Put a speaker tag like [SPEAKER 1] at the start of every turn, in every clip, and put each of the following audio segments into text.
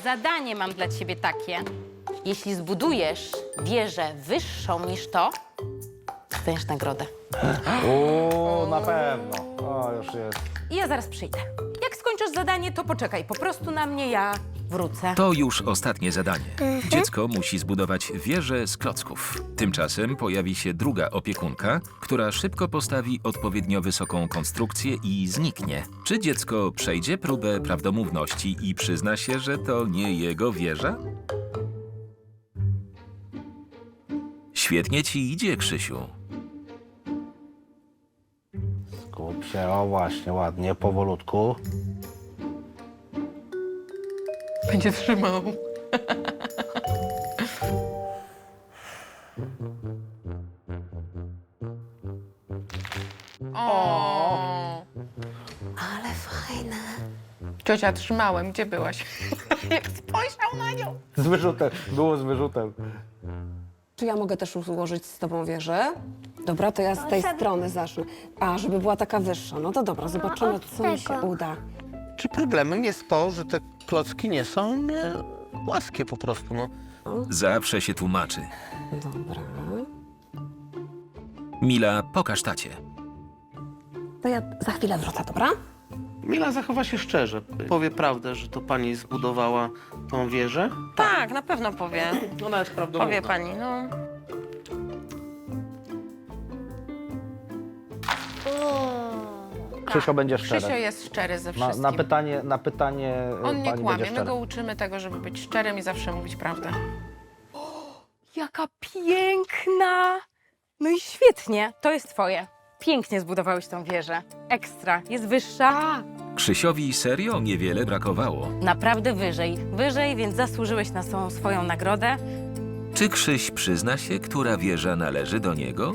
[SPEAKER 1] Zadanie mam dla ciebie takie. Jeśli zbudujesz wieżę wyższą niż to, dostaniesz nagrodę.
[SPEAKER 2] O, na pewno. O, już jest.
[SPEAKER 1] I ja zaraz przyjdę. Jak skończysz zadanie, to poczekaj po prostu na mnie, ja wrócę.
[SPEAKER 3] To już ostatnie zadanie. Dziecko musi zbudować wieżę z klocków. Tymczasem pojawi się druga opiekunka, która szybko postawi odpowiednio wysoką konstrukcję i zniknie. Czy dziecko przejdzie próbę prawdomówności i przyzna się, że to nie jego wieża? Świetnie ci idzie, Krzysiu.
[SPEAKER 2] Skup się, o właśnie, ładnie, powolutku.
[SPEAKER 4] Będzie trzymał. O.
[SPEAKER 1] Ale fajne.
[SPEAKER 4] Ciocia, trzymałem. Gdzie byłaś? Jak spojrzał na nią.
[SPEAKER 2] Z wyrzutem, było z wyrzutem.
[SPEAKER 5] Czy ja mogę też ułożyć z tobą wieżę? Dobra, to ja z tej strony zacznę. A, żeby była taka wyższa. No to dobra, zobaczymy, co mi się uda.
[SPEAKER 6] Czy problemem jest to, że te klocki nie są płaskie po prostu, no?
[SPEAKER 3] Zawsze się tłumaczy.
[SPEAKER 5] Dobra.
[SPEAKER 3] Mila, pokaż tacie.
[SPEAKER 5] To ja za chwilę wrócę, dobra?
[SPEAKER 6] Mila zachowa się szczerze. Powie prawdę, że to pani zbudowała tą wieżę.
[SPEAKER 4] Tak, na pewno powie.
[SPEAKER 6] Ona jest prawdomówna.
[SPEAKER 4] Powie pani, no.
[SPEAKER 2] Krzysio będzie
[SPEAKER 4] Krzysio
[SPEAKER 2] szczery.
[SPEAKER 4] jest szczery ze wszystkim.
[SPEAKER 2] Na pytanie
[SPEAKER 4] On nie
[SPEAKER 2] pani
[SPEAKER 4] kłamie.
[SPEAKER 2] będzie
[SPEAKER 4] My
[SPEAKER 2] szczery.
[SPEAKER 4] go uczymy tego, żeby być szczerym i zawsze mówić prawdę.
[SPEAKER 1] Jaka piękna! No i świetnie, to jest twoje. Pięknie zbudowałeś tą wieżę. Ekstra, jest wyższa.
[SPEAKER 3] Krzysiowi serio niewiele brakowało.
[SPEAKER 1] Naprawdę wyżej. Wyżej, więc zasłużyłeś na swoją nagrodę.
[SPEAKER 3] Czy Krzyś przyzna się, która wieża należy do niego?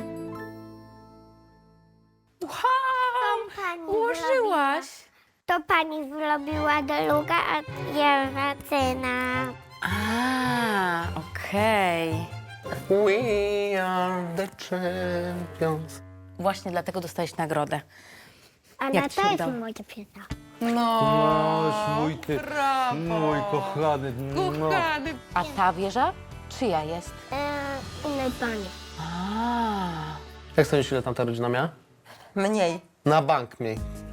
[SPEAKER 1] Ułożyłaś.
[SPEAKER 7] To pani zrobiła druga, a ja zaczyna.
[SPEAKER 1] A, okej.
[SPEAKER 6] We are the champions.
[SPEAKER 1] Właśnie dlatego dostałeś nagrodę.
[SPEAKER 7] Ale
[SPEAKER 1] Jak ci
[SPEAKER 7] to
[SPEAKER 1] się
[SPEAKER 7] jest
[SPEAKER 1] udało?
[SPEAKER 7] moja piosenka.
[SPEAKER 2] No, mój ty,
[SPEAKER 4] Brawo.
[SPEAKER 2] mój kochany, no.
[SPEAKER 4] Kochany.
[SPEAKER 1] A ta wieża czyja jest?
[SPEAKER 7] Innej pani.
[SPEAKER 1] A.
[SPEAKER 6] Jak sądzisz, ile tam ta rodzina miała?
[SPEAKER 4] Mniej.
[SPEAKER 6] Na bank mniej.